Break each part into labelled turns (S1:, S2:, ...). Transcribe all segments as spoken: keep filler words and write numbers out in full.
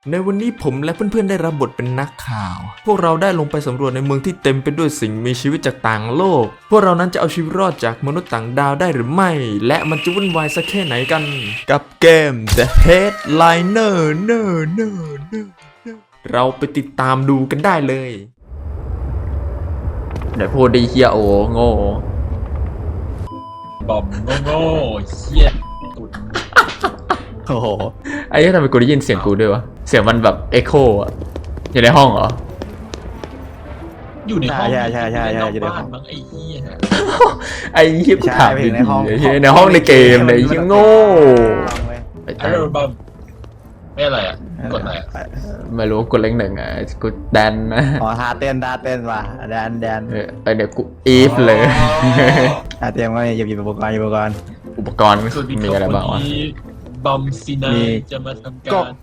S1: ในวันนี้ผมและเพื่อนๆได้รับบทเป็นนักข่าวพวกเราได้ลงไปสำรวจในเมืองที่เต็มไปด้วยสิ่งมีชีวิตจากต่างโลกพวกเรานั้นจะเอาชีวิตรอดจากมนุษย์ต่างดาวได้หรือไม่และมันจะวุ่นวายสักแค่ไหนกันกับเกม The Headliner เนอเนอเนอเราไปติดตามดูกันได้เลยเดี๋ยวพูดดีเฮียโอโง่
S2: บอมโง่เฮียตุ่น
S1: โอ้โหไอ้ทำไมกูได้ยินเสียงกูด้วยวะเสียงมันแบบเอ็โคอะอยู่ในห้องเหรอ
S2: อยู่ในห้อง
S3: ใช่ใช่ใช่ใช่
S2: อยู่ในบ้านมั้งไอ้เฮีย
S1: ไอ้เฮียกูถามดีๆไอ้เฮียในห้องในเกมในเฮียโง่
S2: ไอ้บอมไม่อะไรอ่ะกดอะไรอ่ะ
S1: ไม่รู้กดเล็กหนึ่งอ่ะกูแดนนะ
S3: อ๋อท่าเต้นท่าเต้นว่ะแดนแดน
S1: เออเดี๋ยวกูอีฟเลย
S3: ท่าเต้นก็หยิบหยิบอุปกรณ์อุปกรณ์
S1: อุปกรณ์มีอะไรบ้างวะ
S2: บอมซีนายจะมาทำการ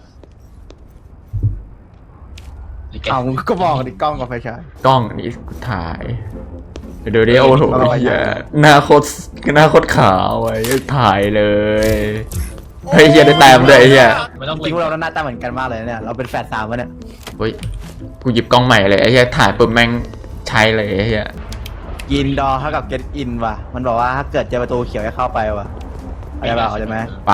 S3: เอาก็บอกดิกล้องกับไฟฉาย
S1: กล้องนี่กูถ่ายเดี๋ยวดิโอ้โหเฮียหน้าโคตรหน้าโคตรขาวไว้ถ่ายเลยเฮ้ยเฮียได้แต้มด้วยเฮีย
S3: จริงเราหน้าตาเหมือนกันมากเลยเนี่ยเราเป็นแฝดสามวะเนี่ย
S1: เฮ้ยกูหยิบกล้องใหม่เลยไอ้เฮียถ่ายปุ๊บแม่งใช้เลยไอ้เฮีย
S3: ยินดอเท่ากับเก็ตอินว่ะมันบอกว่าถ้าเกิดเจอประตูเขียวให้เข้าไปว่ะอะไรบ้างใช่ไหม
S1: ไป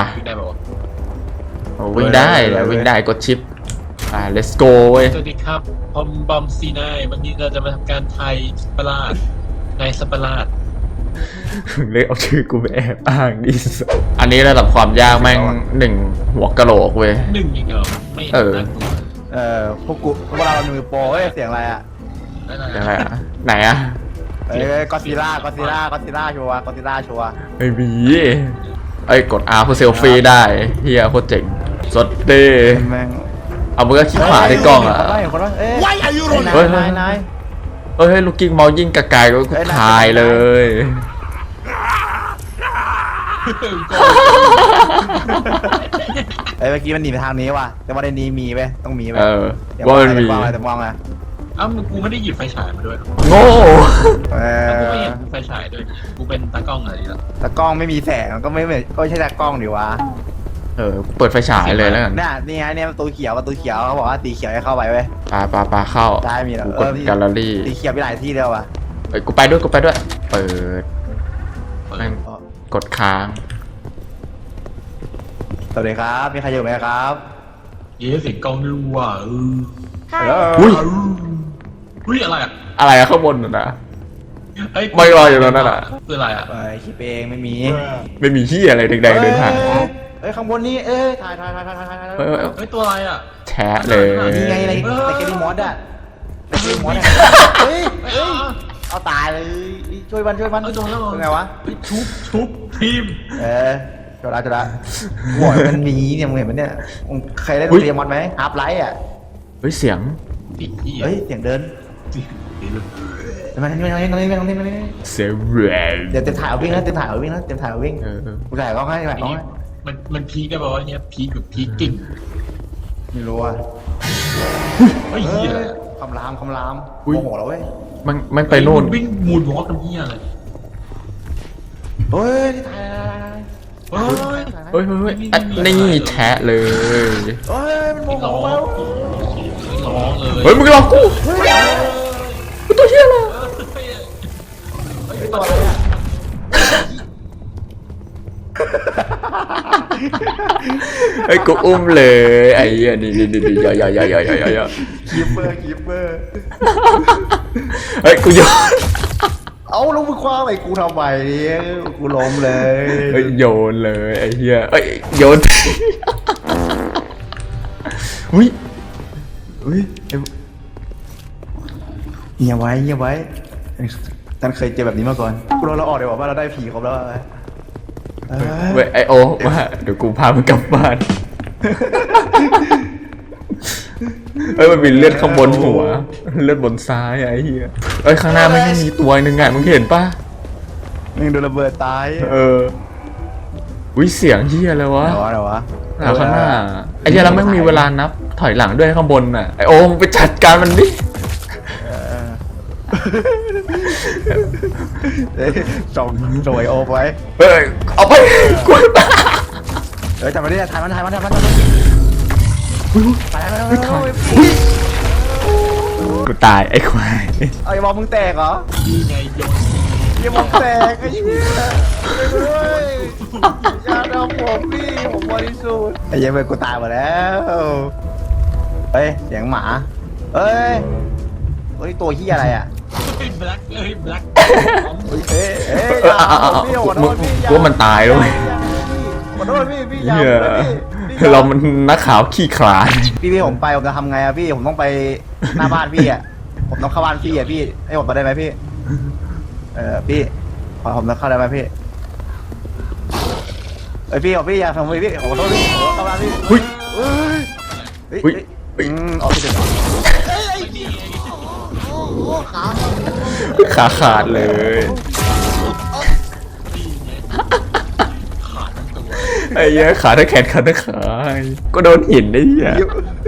S1: วิ่งได้แล้ววิ่งได้กดชิปอ่า let's go เว้ย
S2: สวัสดีครับผมบอมซีนายวันนี้เราจะมาทำการไทยสปาร์ตในสปาร์ต
S1: เลยเอาชื่อกูไปแอบอ้างดิสอันนี้ระดับความยากแม่งหนึ่งหัวกะโหลกเว้ย
S2: หนึ่งอีกเหรอไม่
S1: เออ
S3: เออพวกกูพวกเรามือโปรเฮ้ยเสียงอะไรอ่ะ
S1: เสียงอะไรอ่ะไหนอ่ะ
S3: เอ้ยก็ซิล่าก็ซิล่าก็ซิล่าชัวร์ก็ซิล่าชัวร์
S1: ไม่มีไอ้กด R เพื่อเซลฟี่ได้เฮียโคตรเจ๋งสดเด้เอามือคลิกขวาที่กล้องอ่ะ
S3: เฮ้ยคนว่าเอ้ย
S1: เฮ้ย
S3: นายนาย
S1: เฮ้ยลูกกิ้งเมายิ่งกระกายก็กูถ่ายเลย
S3: เอ้ยเมื่อกี้มันหนีไปทางนี้ว่ะแต่ว่าในนี้มีไหมต้องมีไหม
S1: เออว่ามันมี
S3: แต่มองไง
S2: อ้าวกูไม่ได้หยิบไฟฉายมาด้วย
S1: โง่
S2: เออกูไม่หยิบไฟฉายด้วยกูเป็นตากล้องอะไรล่ะ
S3: ตากล้องไม่มีแสงก็ไม่ก็ใช่ตากล้องดิวะ
S1: เออเปิดไฟฉายเลยแล้วกัน
S3: เนี่ยนี่ไงเนี่ยประตูเขียวประตูเขียวเขาบอกว่าตีเขียวให้เข้าไปเว้ย
S1: ปาปาปาเข้า
S3: ได้มีแล้ว
S1: กดแกลเลอรี่
S3: ตีเขียวไปหลายที่แล้วว่ะ
S1: เอ้ยกูไปด้วยกูไปด้วยเปิดกดค้าง
S3: สวัสดีครับมีใครอยู่ไหมครับ
S2: เย้เสียงกล้องด้วยว่ะ
S3: ฮัลโหล
S1: อุ้ย
S2: อุ้ยอะไรอะ
S1: อะไรอะข้างบนน่ะไม่รออยู่แล้วนั่นน่ะ
S2: คืออะไรอะ
S3: ไอ้คิดเองไม่มี
S1: ไม่มีที่อะไรแดงๆเดินผ่าน
S3: เอ้ยข้างบนนี้เอ้ยถ่ายถ่ายถ่ายถ่ายถ่าย
S2: เฮ้ยตัวอะไรอะ
S1: แชะเลย
S3: นี่ไงอะไรแต่แกนี่มอสอะแต่แกนี่มอสอะเฮ้ยเฮ้ยเอาตายเลยช่วยมันช่วยมันเป็นไงวะ
S2: ชุบชุบทีม
S3: เออจดละจดละหัวมันมีเนี่ยมึงเห็นไหมเนี่ยใครได้เรียมมอสไหมฮาร์ปไลท์อ่ะ
S1: เฮ้ยเสียง
S3: เฮ้ยเสียงเดินมาทางนี้มาทางนี้มาทางนี้มาทางนี้มาทางนี้
S1: เสียง
S3: เดี๋ยวเต็มถ่ายวิ่งนะเต็มถ่ายวิ่งนะเต็มถ่ายวิ่งกูถ่ายกล้องให้ถ่ายกล้องให้
S2: มันมันพีกได้ป่าวเนี่ยพีกแบบพีกกิ่ง
S3: ไม่รู้อ่ะ
S2: เฮ้ย
S3: คำรามคำรามโมโหแล้วเว้ย
S1: มันมันไปโน่น
S2: วิ่งมูนวอล์กกันเฮียอะไร
S3: เฮ้ยที่ถ่าย
S2: เฮ้ย
S1: เฮ้ยเฮ้ยนี่แชะเลย
S3: เฮ้ยมันโมโหแล้ว
S2: ร้องเลย
S1: เฮ้ยมึงหลอกกูกูตัวเชี่ยเลยไอ้กูอุ้มเลยไอ้เหี้ยนี่นี่นี่ย่อย่อย่อย่อย่อย่อย่อ
S3: คีเปอร์คีเปอร์
S1: เฮ้ยกูโยน
S3: เอาลงมือคว้าไปกูทำไมกูล้มเลย
S1: เฮ้ยโยนเลยไอ้เหี้ยเอ้ยโยนอุ้ยอุ้ย
S3: เงียบไว้เงียบไว้ท่านเคยเจอแบบนี้มาก่อนกูเราเราออกเดี๋ยวว่าเราได้ผีครบแล้ว
S1: เว้ยไอโอว่าเดี๋ยวกูพามึงกลับบ้านเอ้ยมันมีเลือดข้างบนหัวเลือดบนซ้ายไอ้เหี้ยเอ้ยข้างหน้าไม่มีตัวหนึ่งไงมึงเห็นปะ
S3: มึงโดนระเบิดตาย
S1: เออวิเสียงเหี้ยอะไรวะ
S3: อะไรวะ
S1: ข้างหน้าไอ้เหี้ยเราไม่มีเวลานับถอยหลังด้วยข้างบนน่ะไอโอมไปจัดการมันดิ
S3: ส่งส่งไอโอไว้
S1: เฮ้ยเอาไปกู
S3: เฮ้ยทำมาดิถ่ายมันถ่ายมันถ่ายมันถ่ายมันไปแล้วไปแล้ว
S1: กูตายไอ้ควาย
S3: เอาไอ้บอลมึงแตกเหรอ
S2: นี่ไงโยน
S3: ไอ้บอลแตกไอ้เหี้ยไปเลยอย่าทำผมพี่ผมบริสุทธิ์ไอ้เหี้ยังไปกูตายหมดแล้วเฮ้ยเสียงหมาเฮ้ยเฮ้ยตัวเหี้ยอะไรอ่ะ
S2: เฮ้ยแบล็คเอ้ยแบล็ค
S3: เฮ้ยเฮ้ยอย่าพี่ขอโทษพี่อย่า
S1: กูว่ามันตายแล้วเว้ย
S3: ขอโทษพี่พี่อย่า
S1: เหี้ย
S3: พี่
S1: เรามันนักข่าวขี้ขลาด
S3: พี่พี่ผมไปผมจะทำไงอะพี่ผมต้องไปหน้าบ้านพี่อะผมต้องเข้าบ้านพี่อะพี่ให้ผมไปได้ไหมพี่เออพี่ขอผมต้องเข้าได้ไหมพี่เอ้ยพี่ขอพี่อย่าทำพี่พี่ขอโทษพี่ขอเข้าบ้านพี่
S1: หุ้ย
S3: เฮ้ยเฮ้ย
S1: หุ้ย
S3: เฮ้ยอืมเอาที่เด็ด
S1: ขาขาดเลย
S2: ขาดทั้งตัว
S1: ไอ้เหี้ยขาทั้งแขนขาทั้งขาก็โดนหินไอ้เหี้ย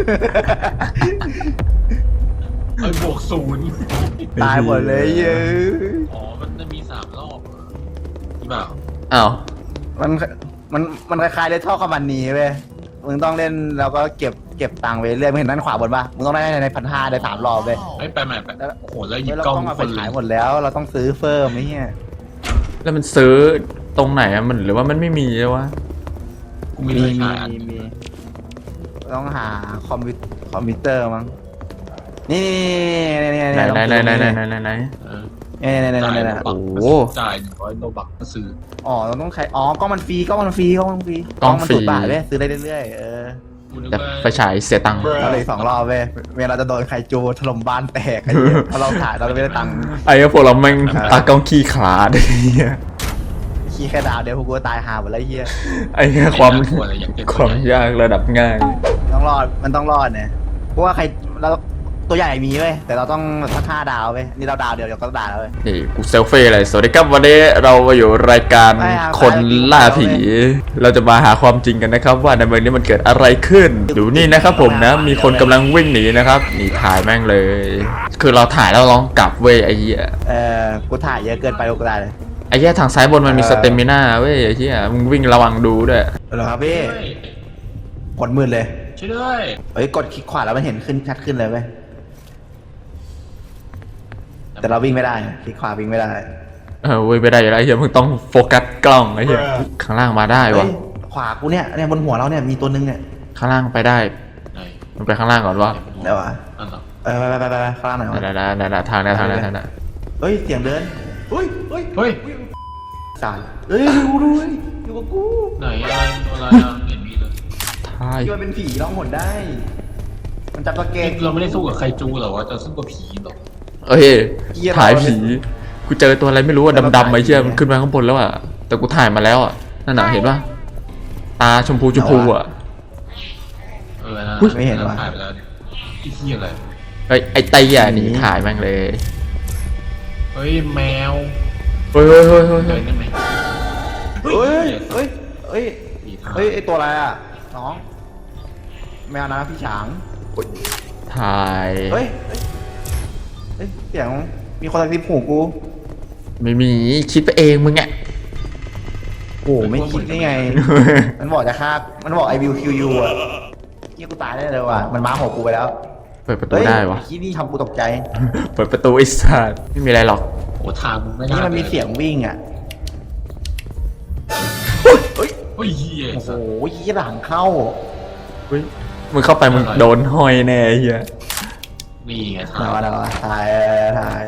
S2: เอ้ยบวกศูนย์
S3: ตายหมดเลยเย้ย
S2: อ๋อมันจะมีสามรอบเหรอหรือเปล่า
S1: อ้าว
S3: มันมันมันคล้ายๆเล่นท่อคอมมันนีเว้ยมึงต้องเล่นแล้วก็เก็บเก็บตังค์ไว้เรื่อยมึงเห็นด้านขวาบนปะมึงต้องได้ในพันห้าได้สามรอบเว้ย
S2: ไอ้ยไปใหม่ไปโอ้โหแล้วหยิบ
S3: เรา
S2: กล้อง
S3: ต้องเอา
S2: ค
S3: ไป
S2: นเล
S3: ขาย ยหมดแล้ว เราต้องซื้อเฟิร์มไอ้เหี้ย
S1: แล้วมันซื้อตรงไหนอะมันหรือว่ามันไม่มีเลยวะ
S2: กูมีเลยขายอัน
S3: มีมีต้องหาคอมพิวคอมพิวเตอร์มั้งนี่นี่นี่
S1: ไหนไหนไหนไหนไหนไหนไหนไหน
S2: เออ
S3: นี่นี่นี่
S2: จ่าย
S3: นี่
S2: โล
S3: นี่
S2: บัก
S1: โอ้
S2: จ่ายหนึ่งร้อยโลบักก็ซื้อ
S3: อ๋อเราต้องใช้อ๋อกล้องมันฟรีกล้องมันฟรีกล้องมันฟรีมันถูกบาทเว้ยซื้อได้เรื่อยๆเออ
S2: กูนึก
S1: แต่
S2: ว่า
S1: ไฟฉายเสียตังค์
S3: เราเลยสองรอบเว้ยเวลาจะโดนใครจูถล่มบ้านแตกไอ้เหี้ยเพราะเราถ่ายเราไม่ได้ตังค์
S1: ไอ้เหี้ยพวกเราแม่งตากล้องขี้ขลาดไอ้เหี้ย
S3: ขี้แค่ดาวเดียวพวกกูตายหาหมดแล้วไอ้เหี้ย
S1: ไอ้เหี้ยความ
S2: ไน่กลัอะไรอย่างเงี้ย
S1: ความยากระดับง่าย
S3: ต้องรอดมันต้องรอดเนี่ยเพราะว่าใครเราตัวใหญ่มีเว้ยแต่เราต้องสักห้าดาวเว้ยนี่เราดาวเดียวเดี๋ยวก็ด่าแล้วเว้ย
S1: นี่กูเซลฟี่เลยสวัสดีครับวันนี้เรามาอยู่รายการ
S3: ไม่เอา
S1: คนล่าผี เราจะมาหาความจริงกันนะครับ ว่าในเมืองนี้มันเกิดอะไรขึ้น ดูนี่นะครับผมนะ มีคนกำลังวิ่งหนีนะครับนี่ถ่ายแม่งเลย คือเราถ่ายแล้วลองกลับเว้ยไอ้เหี้ย
S3: เออกูถ่ายเยอะเกินไปกูได้เลย
S1: ไอ้เหี้ยทางซ้ายบนมันมีสเตมิน่าเว้ยไอ้เหี้ยมึงวิ่งระวังดูด้วย
S3: เหรอครับพี่
S2: ช่วย
S3: กดมืดเลย
S2: ช่วยด้วย
S3: เฮ้ยกดคลิกขวาแล้วมันเห็นขึ้นชัดขึ้นเลยเว้ยแต่เราวิ่งไม่ได้คลิกขวาวิ่งไม่ได้
S1: เออเว้ยไม่ได้อยู่แล้วไอ้เหี้ยมึงต้องโฟกัสกล้องไอ้เหี้ยข้างล่างมาได้
S3: เฮ้
S1: วะ
S3: ยขวากูเนี่ยเนี่ยบนหัวเราเนี่ยมีตัวนึงเนี่ย
S1: ข้างล่างไปได้
S2: ไหน
S1: มันไปข้างล่างก่อนวะ
S3: เดี๋ยวอ่ะ
S2: อันเหรอ
S3: เออไปไปไปไปข้างล่างหน่อยวะ
S1: นั่นๆนั่นๆทางนั้นทางนั้นทางนั้น
S3: เฮ้ยเสียงเดินเฮ้ยเฮ้ย
S2: เฮ้ย
S3: สายเฮ้ยดูดูเฮ้ยอยู่กับกู
S2: ไหนอะไรอะไรอ่ะเห็นมีเลย
S1: ถ่าย
S3: คิดว่าเป็นผีร้องหนได้ มันจับตะเก
S2: เอ๊ะ
S3: ง
S2: เราไม่ได้สู้กับใครจูเหรอวะจะสู้กับผีเหรอ
S1: เอ้ย
S3: เหี้ย
S1: ถ่ายผีกูเจอตัวอะไรไม่รู้อะดำๆไอ้เหี้ยมันขึ้นมาข้างบนแล้วอะแต่กูถ่ายมาแล้วอะนั่นน่ะเห็นปะตาชมพูชมพูอะ
S2: เออนะ
S3: ไม่เห็นว่ะ
S2: ถ่ายไปแล้วเนี่ยไอ้เหี้ยอะไร
S1: เฮ้ยไอ้ไตอ่ะหนีถ่ายแม่งเลย
S2: เฮ้ยแมว
S1: เฮ้ยเฮ้ยเฮ้ยเฮ้ย
S2: เดิ
S1: เฮ้ย
S2: นได้ไหม
S3: เฮ้ยเฮ้ยเฮ้ย
S2: ผีทาง
S3: เฮ้ยไอตัวอะไรอ่ะน้องแมวนะพี่ฉาง
S1: ถ่าย
S3: เฮ้ยเฮ้ยเฮ้ยเสียงมีคนกระซิบหูกู
S1: ไม่มีคิดไปเองมึงอะ
S3: โอ้ไม่คิดได้ไง มันบอกจะฆ่ามันบอก I will kill you อ่ะยี่กูตายได้เลยว่ะมันมาหัวกูไปแล้ว
S1: เปิดประตูได้วะ
S3: ที่นี่ทำกูตกใจ
S1: เปิดประตูไอ้สัสไม่มีอะไรหรอก
S2: โอ้ทางมึงไม่น่า
S3: นี่มันมี
S2: ดิ
S3: เสียงวิ่งอ่ะเฮ้ย
S2: เฮ้ยเหี้ย
S3: โอ้โห
S2: สัส
S3: ยี่หลังเข้า
S1: เฮ้ยมึงเข้าไปมึงโดนห้อยแน่ไอ้เหี้ย
S2: นี่ไงทา
S3: มาง แล้วถ่ายถ่าย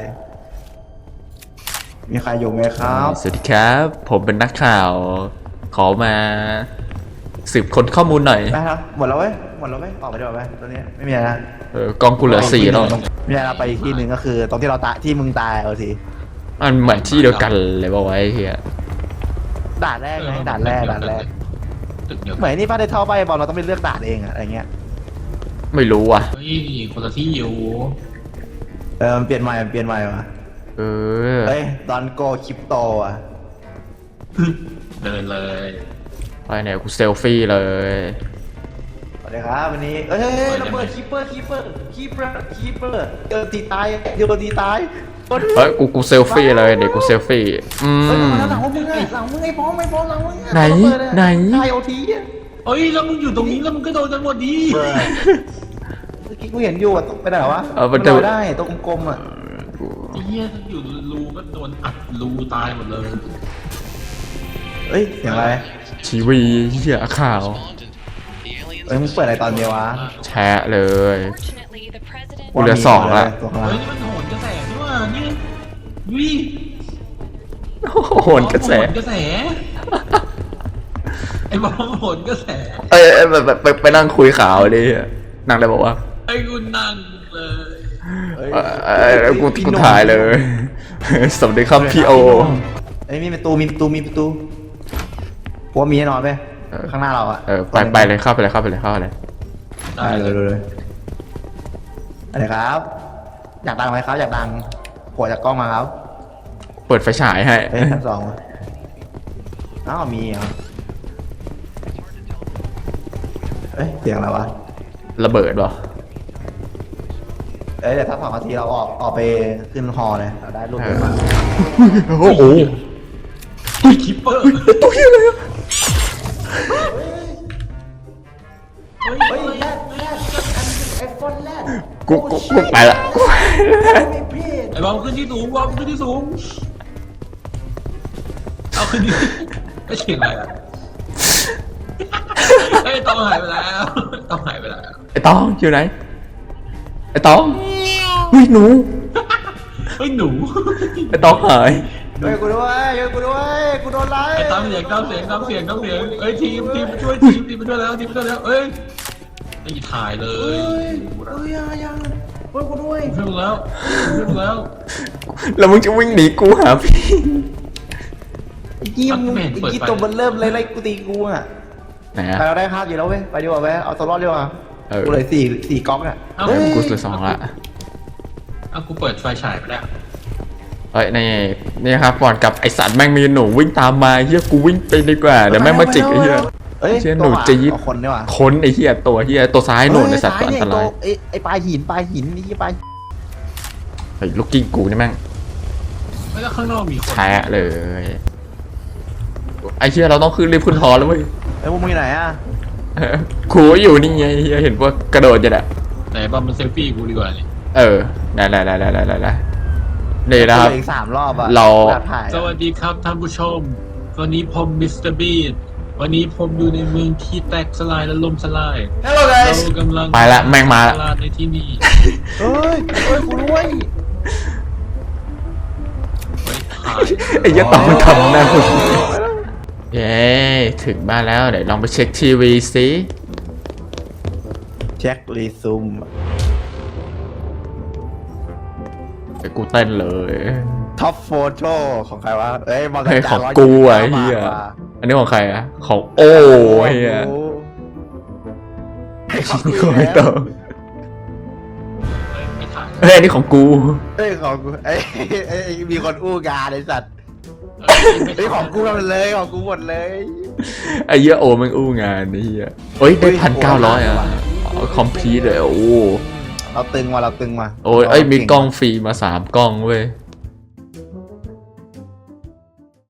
S3: มีใครอยู่ไหมครับ
S1: สวัสดีครับ ผมเป็นนักข่าว ขอมาสืบค้นข้อมูลหน่อย
S3: ได้ครับหมดแล้วเว้ยหมดแล้วเว้ยออกไปดีกว่าไหมตอนนี้ไม่มีอะไรนะ
S1: เออกองกูเหลือสี่แล้ว
S3: ไม่มีอะไรนะไปอีกที่หนึ่งก็คือตรงที่เราตายที่มึงตายเอาที
S1: มันเหมือนที่เดียวกันเลยป่าวะไอ้เหี้ย
S3: ด่านแรกไงด่านแรกด่านแรก
S2: ตึกเดียว
S3: เหมือนนี่ป้าได้เท่าไปบอลเราต้องไปเลือกด่านเองอะอะไรเงี้ย
S1: ไม่รู้ว่ะ
S2: เฮ้ยคนละที่อยู่
S3: เออมันเปลี่ยนใหม่มันเปลี่ยนใหม่ว่ะ
S1: เออ
S3: เฮ้ยดอนโกคริปโตอ่ะ
S2: เดินเลย
S1: ไปไหนกูเซลฟี่เลย
S3: สวัสดีครับวันนี้เอ้ยเฮ้ยเฮ้ยระเบิดคีเปอร์คีเปอร์คีเปอร์คีเปอร์เจอตีตายเจอตีตาย
S1: เฮ้ยกูกูเซลฟี่เลยเดี๋ยวกูเซลฟี่ อื
S3: เฮ้ย
S1: ม
S3: มาแล้วหลังมึงไงหลังมึงไอ้พร้อมไอ้พร้อมหลังมึง
S1: ไหนไหน
S3: ไอโอที
S2: เฮ้ยแล้วมึงอยู่ตรงนี้แล้วมึงก็โดนกันหมดดี
S3: เมื่อกี้กูเห็นอยู่อะตกไปไหนวะ
S1: เออมัน
S3: ล
S1: จะ
S3: อยได้ตรงกลมๆอ่ะ
S2: ไอ้เหี้ยถ้าอยู่รูก็โดนอัดรูตายหมดเลย
S3: เอ้ยเสียงอะไร
S1: ทีวีเหี้ยข่าว
S3: เอ้ยมึงเปิดอะไรตอนเดียววะ
S1: แชะเลย
S4: Fortunately, the president
S1: กูเหลือสองละ
S3: ตัวข้าง
S2: เฮ้
S3: ล่าย ง
S2: นี่มันโหนกระแสนี่ว่านี่วิ
S1: โหนกระแส
S2: โหนกระแสไอ้บอมโหนกระแส
S1: เอ้ยเอ้ยไปไปไปนั่งคุยข่าวดินั่งได้บอกว่า
S2: ไอ้กูนั่งเลย
S3: เอ้ย
S1: เอ้ยเอ้ยกู
S3: พี่
S1: กู
S3: หนุ่ม
S1: ถ่ายเลย สวัสดีครับพี่โอ
S3: เอ้ยมีประตูมีประตูมีประตูกูว่ามีแน่นอนไป
S1: เออ
S3: ข้างหน้าเราอะ
S1: เออไปไปเลยเข้าไปเลยเข้าไปเลยเข้าไปเลย
S3: ได้เลยเลยเลยอะไรครับ อยากดังไหมครับ อยากดังกดจากกล้องมาครับ
S1: เปิดไฟฉายให้
S3: เอ้ยชั้นสองมาอ้าวมีเหรอเอ้ยเสียงอะไรวะ
S1: ระเบิดป่ะ
S3: เอ้ยเดี๋ยวถ้าสองนาทีเราออกออกไปขึ้นฮอเลยเราได้รูปเยอะมาก
S1: โอ้โห
S2: ไอ้คิปเปอร์
S1: ตัวเฮียเลยอะ
S2: เฮ้ย
S3: เฮ้ยแรดแรดไอ้ฟอนแรด
S1: กูกูกูไปละกูไปละ
S3: ไม่ผิด
S2: ไอ้บอมขึ้นที่สูงบอมขึ้นที่สูงเอาขึ้นที่ไม่เสียงอะไรอ่ะไอ้ยต้องหายไปแล้วต้องหายไปแล้ว
S1: ไอ้ตองอยู่ไหนไอ้ตองเฮ้ยหนู
S2: เฮ้ยหนู
S1: ไอ้ตองหาย
S3: เฮ้ยกูด้วยเฮ้ยกูด้วยกูโดนไล่
S2: ไอ้ตามเสียงตามเสียงตามเสียงตามเสียงเอ้ยทีมทีมมาช่วยทีมทีมมาช่วยแล้วทีมมาช่วยแล้วเอ้ยไอ้ถ่ายเลย
S3: เฮ้ยยังยังเฮ้ยกูด้วย
S2: ช่วยมึงแล้วช่วยมึงแล้ว
S1: แล้วมึงจะวิ่งหนีกูหาพี่
S3: ไอ้กี้มึงไอ้กี้ตัวมันเริ่มเลยไล่กูตีกูอ่ะ
S1: ไหน
S3: ไป
S1: อะ
S3: เราได้ภาพอยู่แล้วเว้ยไปดีกว่าเว้ยเอาตัวรอดดีกว่า
S1: เออ
S3: กูเลยสี่สี่ก๊อกเนี่ย
S2: เอ้า
S3: เฮ้ย
S1: กูเหลือสองละ
S2: เอากูเปิดไฟฉายไปแล้ว
S1: เอ้ยนี่นี่ครับก่อนกับไอสัตว์แม่งมีหนูวิ่งตามมาเฮียกูวิ่งไปดีกว่าเดี๋ยวแม่งมาจิกไอ้เฮีย
S3: เอ้ย
S1: เชี่ยหนูจะยิบ
S3: เอาคนดีกว่า
S1: ค้นไอ้เฮียตัวเฮียตัวซ้ายหนูไอสัตว์ตัวอันตราย
S3: ไอ้ไอ้ปลาหินปลาหินนี่ปลา
S1: ไอ้ลูกกิ้งกูนี่แม่ง
S2: ไม่แล้วข้างนอกมีคน
S1: แชะเลยไอ้เฮียเราต้องขึ้นรีบขึ้นฮอแล้วเว้ย
S3: ไอ้พวกมึงอยู่ไหนอ่ะ
S1: เออครูอยู่นี่ไงเฮียเห็นว่ากระโดดจะแหละ
S2: ไหนบอมมันเซลฟี่กูดีกว่านี่
S1: เออได้ได้ได้ได้ได้ได้ได้นี่นะครับ
S3: อีกสามรอบอ่ะ
S1: เรา
S3: อยกถ่าย
S2: สวัสดีครับท่านผู้ชม วันนี้ผมมิสเตอร์บีดวันนี้ผมอยู่ในเมืองที่แตกสลายและล่มสลาย
S3: ฮัลโหล
S2: เรา
S3: guys
S2: กำลัง
S1: ไปละแม่งมาละ
S2: ตลาดในที่นี่
S3: เฮ้ยเฮ้ยกูด้วย
S2: เฮ้ยถ่าย
S1: ไอ้เหี้ยตองมันทำหน้าคุณเย้ถึงบ้านแล้วเดี๋ยวลองไปเช็คทีวีสิ
S3: เช็ครีซูม
S1: เดี๋ยวกูเต้นเลย
S3: ท็อปโฟโต้ของใครวะเอ้ยมากระ
S1: เฮ้ย
S3: จา
S1: ของ
S3: ร้ย
S1: กู
S3: ยี่
S1: อ่ะ
S3: สิบ
S1: เฮีย
S3: บาทว่ะ
S1: อันนี้ของใครอ่ะของโอ้เฮีย
S3: ของกู
S1: กูไม่ต้อง
S2: เฮ้ยไม่ถ่าย
S1: เฮ้ยอันนี้ของกู
S3: เอ้ยของกูเอ้ยเอ้ยมีคนอู้งานไอ้สัตว์
S2: เฮ้ยไม่
S3: เอ้ย
S2: ถ่าย
S3: ของกูหมดเลยของกูหมดเลย
S1: ไอ้เหี้ยโอแม่งอู้งานนี่เฮียเฮ้ยได้
S3: เฮ้ย
S1: พันเก้าร้อยอ่ะ
S3: โอ้
S1: คอมพลีทเลยโอ้
S3: เราตึงมาเราตึงมา
S1: โอ้ยเอ้ยมีกล้องฟรีมาสามกล้องเว้ย